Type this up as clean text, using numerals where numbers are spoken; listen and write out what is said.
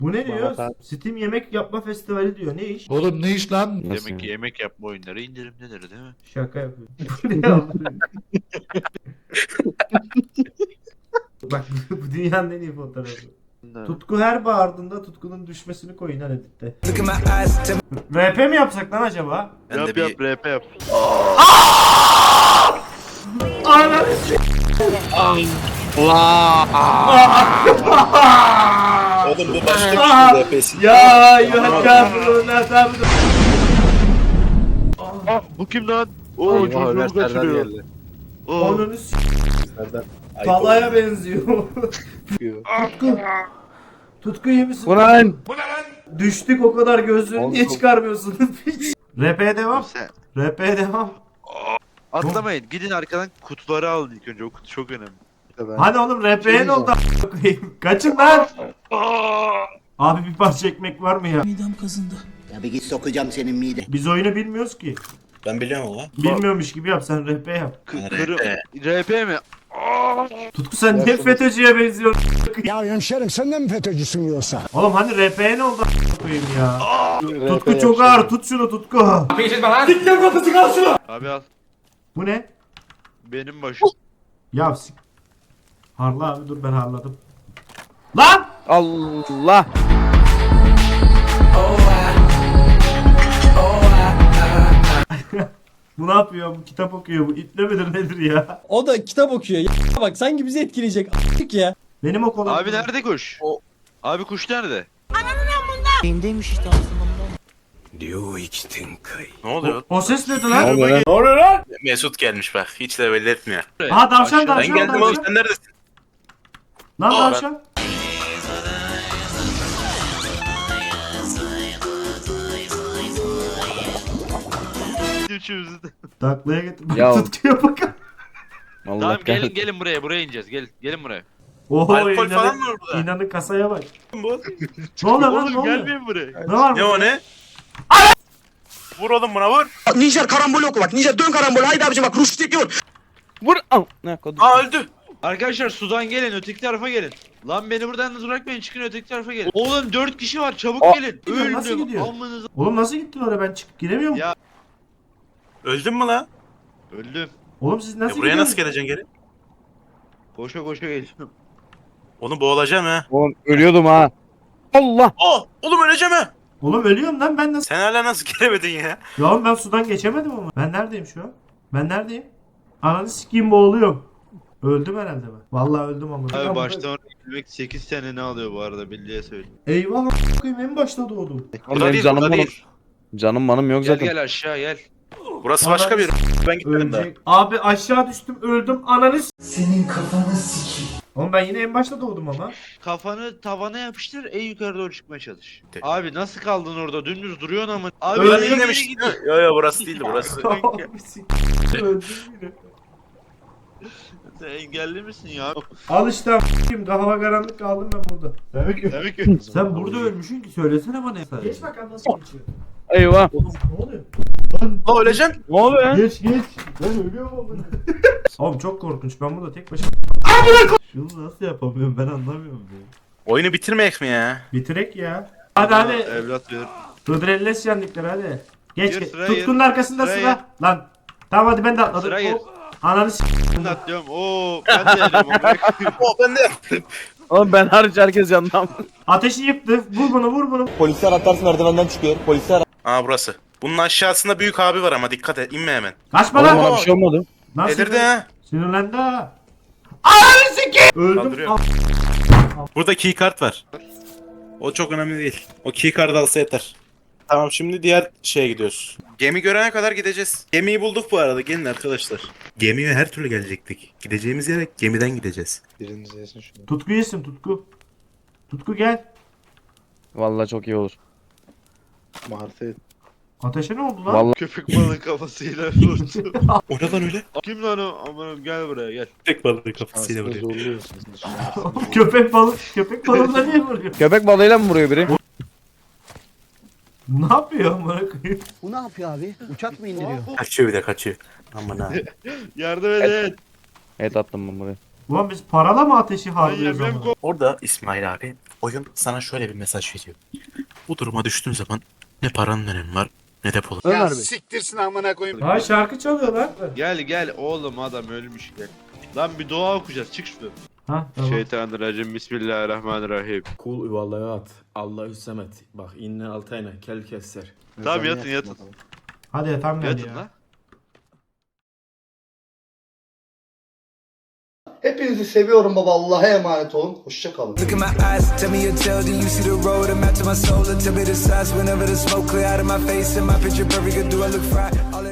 Bu ne diyor? Bana Steam yemek yapma festivali diyor. Ne iş? Oğlum ne iş lan? Nasıl Demek ki yani? yemek yapma oyunları indirimdedir değil mi? Şaka yapıyor. Bu ne Allah'ım? Bak bu dünyanın en iyi fotoğrafı. Tutku her bağırdığında Tutku'nun düşmesini koyun lan editte. RP mi yapsak lan acaba? Ben de Yap bir yap rap yap. Ananı Oğlum bu başka bir şey RP'si. Ya yuhakâfırûne tabi. Ah bu kim lan? Oo Eyvah, çocuğumu Ömer Serdar kaçırıyor. geldi. Oo. Onunu s*** Serdar. Ayıp talaya benziyor. oluyor. Tutku. Tutku iyi misin? Ulan! Düştük o kadar gözlüğünü niye Oğlum. çıkarmıyorsun? RP'ye devam. Sen RP'ye devam. atlamayın. Gidin arkadan kutuları alın ilk önce. O kutu çok önemli. Hadi oğlum RP'ye ne oldu a**a koyayım? Kaçın lan. Abi bir parça ekmek var mı ya? Ya bir git sokacağım senin mide. Biz oyunu bilmiyoruz ki. Ben biliyorum ama. Bilmiyormuş gibi yap sen RP yap. Kırım. RP mi? Tutku sen ne FETÖ'cüye benziyorsun? Ya hemşerim sen de mi FETÖ'cüsün yoksa? Oğlum hani RP'ye ne oldu a**a koyayım ya? Tutku çok ağır tut şunu Tutku. Abi al. Bu ne? Benim başım. Ya harla abi dur ben harladım. Lan! Allah! Bu ne yapıyor? Bu kitap okuyor. Bu iple midir nedir ya? O da kitap okuyor. Ya bak sanki bizi etkileyecek a**lık ya. Benim o kolum. Abi nerede kuş? Abi kuş nerede? Ne oluyor? O ses neydi lan? Ne oluyor lan? Mesut gelmiş bak. Hiç de belli etmiyor. Aha tavşan Aşağı- tavşan Ben geldim oğlum tavşan. sen neredesin? Lan Aa, tavşan. Üçümüzü de. Taklaya getir. Bak Ya. Tutkuya bakın. Allah Tamam gelin kahretsin. gelin buraya ineceğiz. Gelin buraya. Oho Alkol falan mı var burada? İnanın kasaya bak. Bu? Ne oluyor lan ne Oğlum oluyor? gelmeyin buraya. Ne var Ne burada? o ne? Vur oğlum buna vur. Nijer karambol oku bak. Nijer dön karambol. Haydi abicim bak Ruştik diyor. Vur! Al! Ne kodum? Aa öldü. Arkadaşlar sudan gelin öteki tarafa gelin. Lan beni buradan yalnız bırakmayın çıkın öteki tarafa gelin. Oğlum 4 kişi var çabuk gelin. Gidiyor, nasıl Öldüm. gidiyor? Amınıza. Oğlum nasıl gittin oraya ben çıkıp giremiyorum. Ya. Öldün mü lan? Öldüm. Oğlum siz nasıl Buraya gidiyorsunuz? nasıl geleceksin geri? Koşa koşa geliyorum. Onu boğulacağım ha. Oğlum ölüyordum ha. Allah! Oh! Oğlum öleceğim ha. Oğlum ölüyorum lan ben nasıl? Sen hala nasıl gelemedin ya? Ya oğlum ben sudan geçemedim ama. Ben neredeyim şu an? Ben neredeyim? Ananı sikeyim boğuluyorum. Öldüm herhalde ben. Vallahi öldüm ama. Abi baştan oraya gitmek 8 sene ne alıyor bu arada bildiğe söyleyeyim. Eyvah a**ayım en başta doğdum. Burada Benim değil, canım burada manım. değil. Canım manım yok Gel zaten. gel aşağı gel. Burası başka bir yer. Ben gitmedim daha. Ölecek. Abi aşağı düştüm öldüm ananı senin kafanı sikeyim. Oğlum ben yine en başta doğdum ama. Kafanı tavana yapıştır en yukarı doğru çıkmaya çalış. De- Abi nasıl kaldın orada dümdüz duruyorsun ama. Abi Öyle nereye demiş. gidiyor? Yo yo burası değildi burası. Abi sikeyim. Öldüm yine. Sen engelli misin ya? Al işte a**ayım hava karanlık kaldım ben burada. Demek ki. Sen burada ölmüşsün ki söylesene bana. Geç bakalım nasıl geçiyor. Eyvah! Oğlum ne oluyor? La öleceksin. Ne oluyor ya? Geç geç. Ben ölüyorum amına. Oğlum çok korkunç ben burada tek başıma. Şunu nasıl yapamıyorum ben anlamıyorum ya. Oyunu bitirmeyek mi ya? Bitirek ya. Hadi hadi. Evlat ver. Hıdrellez yenlikler hadi. Geç Gir, geç. sıraya Tutkunun gir. arkasında Sıraya sıra. Lan. Tamam hadi ben de atladım. Sıraya gir. Hop. Ananı s***. Ben de atlıyorum. Oo ben de yedim ama. Oh ben de yaptım. Oğlum ben hariç herkes yandan. Ateşi yıktı. Vur bunu vur bunu. Polisler atarsın merdivenden çıkıyor. Polisler Aa burası. Bunun aşağısında büyük abi var ama dikkat et inme hemen. Kaçma Oğlum lan. bana bir şey olmadı. Nasıl Delirdi ha. Sinirlendi ha. Ananı s***. Öldüm. Kaldırıyor. Burada keycard var. O çok önemli değil. O keycard'ı alsa yeter. Tamam şimdi diğer şeye gidiyoruz. Gemi görene kadar gideceğiz. Gemiyi bulduk bu arada gelin arkadaşlar. Gemiye her türlü gelecektik. Gideceğimiz yere gemiden gideceğiz. Biriniz yesin şunu. Tutku yesin Tutku. Tutku gel. Vallahi çok iyi olur. Martı. Ateşe ne oldu lan? Vallahi Köpek balığı kafasıyla vurdu. O ne lan öyle? Kim lan o? Aman gel buraya gel. Tek balığı kafasıyla vuruyor. Zorluyorsunuz. Köpek balığına niye vuruyor? köpek balığıyla mı vuruyor biri? Ne yapıyor amına koyayım? Bu ne yapıyor abi? Uçak mı indiriyor? Kaçıyor bir de kaçıyor. Aman ha. Yardım edin. Evet attım ben buraya. Ulan biz parala mı ateşi Ben harcıyoruz yemem ama? Orada İsmail abi Oyun sana şöyle bir mesaj veriyor. Bu duruma düştüğün zaman ne paranın önemi var ne de pulun. Ya siktirsin amına koyayım. Ha şarkı çalıyorlar. Gel oğlum adam ölmüş gel. Lan bir dua okuyacağız çık şuradan. Ha tamam. Şeytanirracim bismillahirrahmanirrahim. Kul huvallahu Allahü semet. Bak inne altayna kel keser. Tamam yatın. Hadi yatam geldi Yatın ya. lan. Hepinizi seviyorum baba. Allah'a emanet olun. Hoşça kalın. Look in my eyes, tell me your tale, do you see the road? I'm out to my soul, tell me the size whenever the smoke clear out of my face and my picture perfect, do I look fried? All